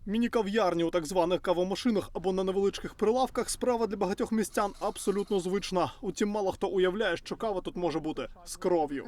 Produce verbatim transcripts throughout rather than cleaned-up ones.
Міні-кав'ярні у так званих кавомашинах або на невеличких прилавках – справа для багатьох містян абсолютно звична. Утім, мало хто уявляє, що кава тут може бути з кров'ю.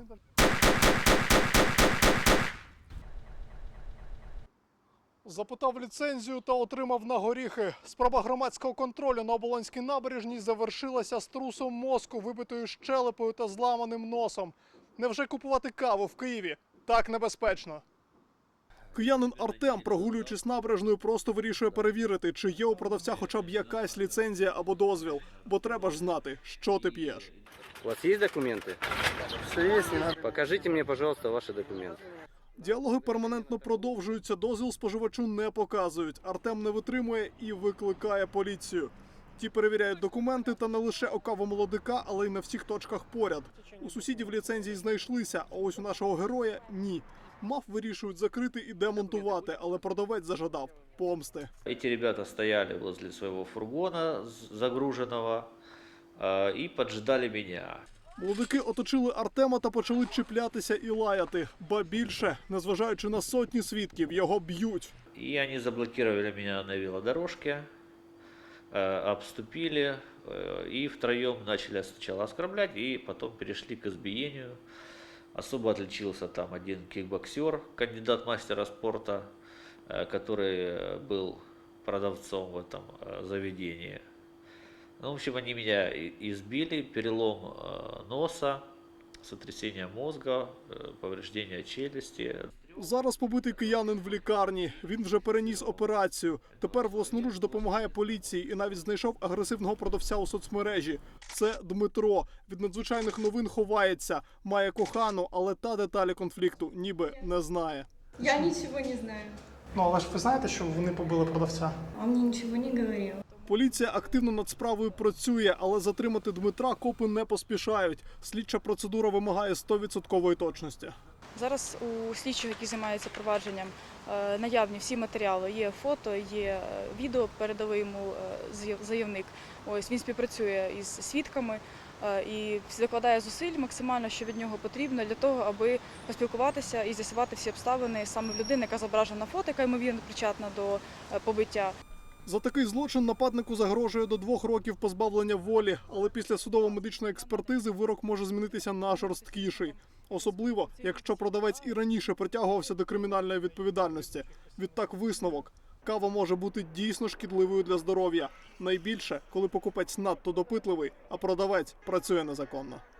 Запитав ліцензію та отримав на горіхи. Спроба громадського контролю на Оболонській набережній завершилася струсом мозку, вибитою щелепою та зламаним носом. Невже купувати каву в Києві так небезпечно? Киянин Артем, прогулюючись набережною, просто вирішує перевірити, чи є у продавця хоча б якась ліцензія або дозвіл. Бо треба ж знати, що ти п'єш. У вас есть документы? Все есть, не надо. Покажите мне, пожалуйста, ваши документы. Діалоги перманентно продовжуються, дозвіл споживачу не показують. Артем не витримує і викликає поліцію. Ті перевіряють документи та не лише у кавомолодика, але й на всіх точках поряд. У сусідів ліцензії знайшлися, а ось у нашого героя – ні. МАФ вирішують закрити і демонтувати, але продавець зажадав помсти. Эти ребята стояли возле своего фургона загруженного и поджидали меня. Молодики оточили Артема та почали чіплятися і лаяти. Ба більше, незважаючи на сотні свідків, його б'ють. И они заблокировали меня на велодорожке, обступили и втроем начали сначала оскорблять, и потом перешли к избиению. Особо отличился там один кикбоксер, кандидат мастера спорта, который был продавцом в этом заведении. Ну, в общем, они меня избили, перелом носа, сотрясение мозга, повреждение челюсти. Зараз побитий киянин в лікарні. Він вже переніс операцію. Тепер власноруч допомагає поліції і навіть знайшов агресивного продавця у соцмережі. Це Дмитро. Від надзвичайних новин ховається. Має кохану, але та деталі конфлікту ніби не знає. Я нічого не знаю. Ну, але ж ви знаєте, що вони побили продавця? Он мне ничего не говорил. Поліція активно над справою працює, але затримати Дмитра копи не поспішають. Слідча процедура вимагає сто відсотків точності. Зараз у слідчих, які займаються провадженням, наявні всі матеріали. Є фото, є відео, передали йому заявник. Ось він співпрацює із свідками і закладає зусиль максимально, що від нього потрібно для того, аби поспілкуватися і з'ясувати всі обставини саме в людини, яка зображена на фото, яка ймовірно причетна до побиття. За такий злочин нападнику загрожує до двох років позбавлення волі, але після судово-медичної експертизи вирок може змінитися на жорсткіший. Особливо, якщо продавець і раніше притягувався до кримінальної відповідальності. Відтак висновок. Кава може бути дійсно шкідливою для здоров'я. Найбільше, коли покупець надто допитливий, а продавець працює незаконно.